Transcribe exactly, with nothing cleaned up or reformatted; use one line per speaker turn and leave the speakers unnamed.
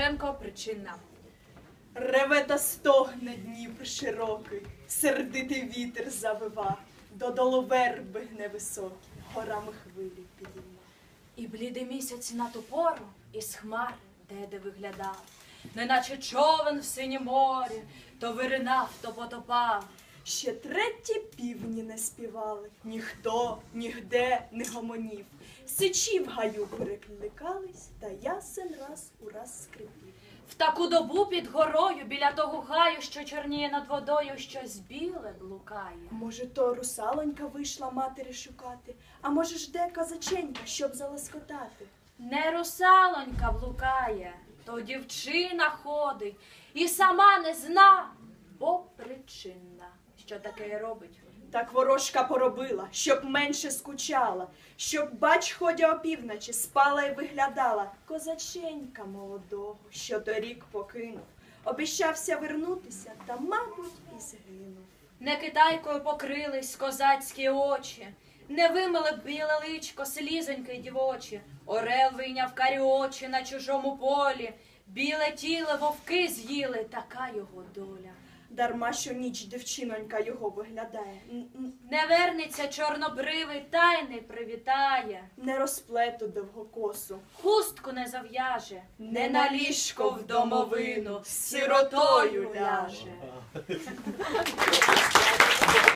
Шевченко «Причина».
Реве та стогне Дніпр широкий, сердитий вітер завива, додолу верби гне високі, горами хвилі підійма.
І блідий місяць на ту пору із хмар де-де виглядав, неначе човен в синім морі, то виринав, то потопав.
Ще треті півні не співали, ніхто, нігде не гомонів. Сичі в гаю перекликались, та ясен раз у раз скрипів.
В таку добу під горою, біля того гаю, що чорніє над водою, щось біле блукає.
Може, то русалонька вийшла матері шукати, а може ж де козаченька, щоб залоскотати.
Не русалонька блукає, то дівчина ходить і сама не зна, бо причинна. Що таке робить?
Так ворожка поробила, щоб менше скучала, щоб, бач, ходя опівночі, спала й виглядала. Козаченька молодого, що торік покинув, обіщався вернутися, та, мабуть, і згинув.
Не китайкою покрились козацькі очі, не вимили б біле личко слізоньки дівочі. Орел вийняв карі очі на чужому полі, біле тіло вовки з'їли, така його доля.
Дарма, що ніч дівчинонька його виглядає,
Не вернеться чорнобривий, та й не привітає.
не розплету довгокосу,
Хустку не зав'яже, не на ліжко в домовину, сиротою ляже.